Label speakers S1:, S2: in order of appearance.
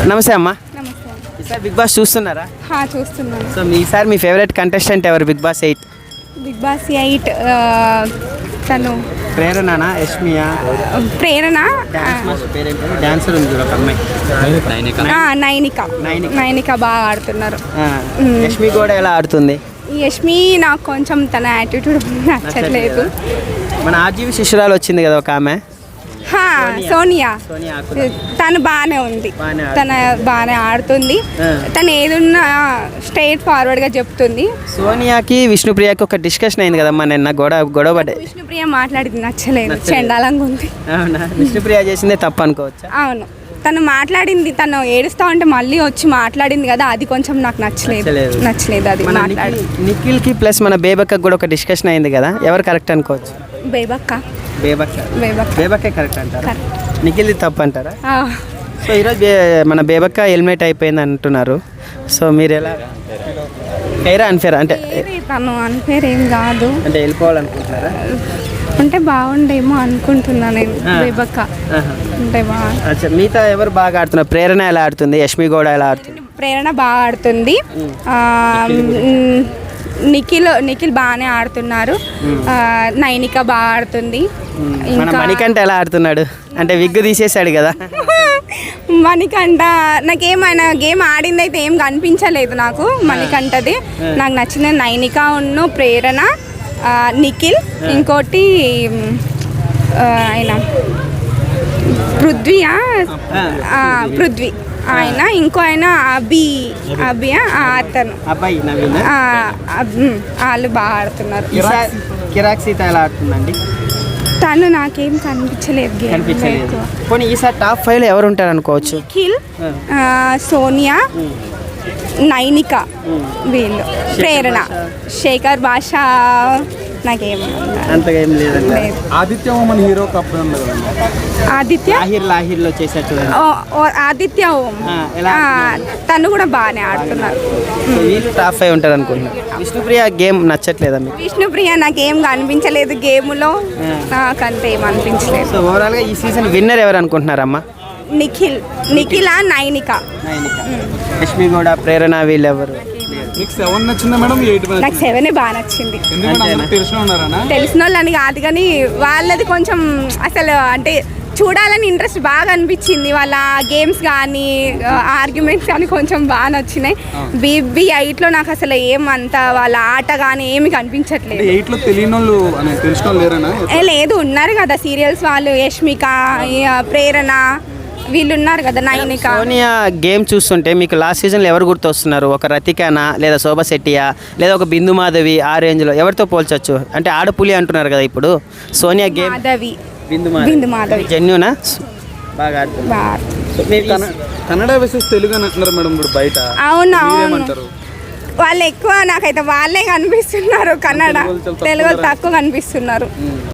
S1: నమస్తే అమ్మా.
S2: నమస్తే.
S1: ఈసారి బిగ్ బాస్ చూస్తున్నారా?
S2: చూస్తున్నాను.
S1: సో ఈసారి మీ ఫేవరెట్ కంటెస్టెంట్ ఎవరు బిగ్ బాస్ 8?
S2: బిగ్ బాస్ 8 తను
S1: ప్రేరణనా, యష్మియా?
S2: ప్రేరణ,
S1: డాన్సర్ ఉంది ఒక అమ్మాయి,
S2: నైనిక బాగా ఆడుతున్నారు.
S1: యష్మి కూడా ఎలా ఆడుతుంది?
S2: యష్మి నాకు కొంచెం తన యాటిట్యూడ్ నచ్చట్లేదు.
S1: మన ఆర్జీవి శిష్యురాలు వచ్చింది కదా ఒక ఆమె,
S2: సోనియా, తను బాగానే ఉంది, తను బాగానే ఆడుతుంది. తను ఏదున్నా స్ట్రైట్ ఫార్వర్డ్గా చెప్తుంది.
S1: సోనియాకి విష్ణుప్రియకి ఒక డిస్కషన్ అయింది కదమ్మా నిన్న, గొడవ పడ్డాయి.
S2: విష్ణుప్రియ మాట్లాడింది నచ్చలేదు, చెండాలంగా ఉంది.
S1: అవునా? విష్ణుప్రియ చేసిందే తప్పు అనుకోవచ్చా?
S2: అవును, తను మాట్లాడింది, తను ఏడుస్తా ఉంటే మళ్ళీ వచ్చి మాట్లాడింది కదా, అది కొంచెం నాకు నచ్చలేదు అది మాట్లాడి.
S1: నిఖిల్కి ప్లస్ మన బేబక్క కూడా ఒక డిస్కషన్ అయింది కదా, ఎవరు కరెక్ట్ అనుకోవచ్చు? బేబక్కే కరెక్ట్ అంటారా? నిఖిల్ది తప్పు అంటారా? సో ఈరోజు మన బేబక్క హెల్మెట్ అయిపోయింది అంటున్నారు. సో మీరు ఎలా అన్ఫేర్ అంటే?
S2: తను అన్ఫేర్ ఏం కాదు,
S1: అంటే వెళ్ళిపోవాలనుకుంటున్నారా?
S2: అంటే బాగుండేమో అనుకుంటున్నా నేను. బేబక్క అంటే
S1: అచ్చా. మిగతా ఎవరు బాగా ఆడుతున్నారు? ప్రేరణ ఎలా ఆడుతుంది? యష్మి కూడా ఎలా ఆడుతుంది?
S2: ప్రేరణ బాగా ఆడుతుంది. నిఖిల్ బాగానే ఆడుతున్నారు. నైనిక బాగా ఆడుతుంది.
S1: మణికంఠ ఎలా ఆడుతున్నాడు? అంటే విగ్గు తీసేసాడు కదా.
S2: మణికంఠ నాకేమైనా గేమ్ ఆడింది అయితే ఏం కనిపించలేదు నాకు. మణికంఠది నాకు నచ్చిన నైనిక ఉన్ను ప్రేరణ, నిఖిల్, ఇంకోటి ఆయన పృథ్వీ ఆయన, ఇంకో ఆయన అతను వాళ్ళు బాగా ఆడుతున్నారు. తను నాకేం కనిపించలేదు.
S1: పోనీ ఈసారి టాప్ 5లో ఎవరు ఉంటారు అనుకోవచ్చు?
S2: నిఖిల్, సోనియా, నైనిక, వీళ్ళు. ప్రేరణ, శేఖర్ భాష నాకేం
S1: అంతగా ఏం లేదండి.
S3: ఆదిత్య ఓమన్ హీరో కప్
S1: లాహిర్లో చేసేట్టు
S2: ఆదిత్య ఓం, తను కూడా బాగానే ఆడుతున్నారు.
S1: వీళ్ళు టాప్ 5 ఉంటారు అనుకుంటున్నారు. విష్ణుప్రియ గేమ్ నచ్చట్లేదా మీకు?
S2: విష్ణుప్రియ నాకేం కనిపించలేదు గేమ్లో, నాకంతే ఏం అనిపించలేదు.
S1: సో ఓవరాల్గా ఈ సీజన్ విన్నర్ ఎవరు అనుకుంటున్నారమ్మా?
S2: నిఖిల్, నైనిక.
S1: యష్మి కూడా, ప్రేరణ, వీళ్ళు ఎవరు?
S2: నాకు 7 బాగా నచ్చింది. తెలిసిన వాళ్ళని కాదు కానీ వాళ్ళది కొంచెం అసలు అంటే చూడాలని ఇంట్రెస్ట్ బాగా అనిపించింది. వాళ్ళ గేమ్స్ కానీ ఆర్గ్యుమెంట్స్ కానీ కొంచెం బాగా నచ్చినాయి. బీబీ 8లో నాకు అసలు ఏమంత వాళ్ళ ఆట కానీ ఏమి కనిపించట్లేదు. లేదు, ఉన్నారు కదా సీరియల్స్ వాళ్ళు, యష్మిక, ప్రేరణ, వీళ్ళు ఉన్నారు కదా, నైనిక.
S1: సోనియా గేమ్ చూస్తుంటే మీకు లాస్ట్ సీజన్లో ఎవరు గుర్తొస్తున్నారు? ఒక రతికానా, లేదా శోభా శెట్టియా, లేదా ఒక బిందు మాధవి? ఆ రేంజ్లో ఎవరితో పోల్చొచ్చు? అంటే ఆడపులి అంటున్నారు కదా ఇప్పుడు సోనియా గేమ్. బిందు మాధవి జెన్యూనా? బాగా
S3: కన్నడ వర్సెస్ తెలుగు అని అంటున్నారు మేడం ఇప్పుడు బయట.
S2: అవును, వాళ్ళు ఎక్కువ, నాకైతే వాళ్ళే కనిపిస్తున్నారు. కన్నడ, తెలుగు తక్కువ కనిపిస్తున్నారు.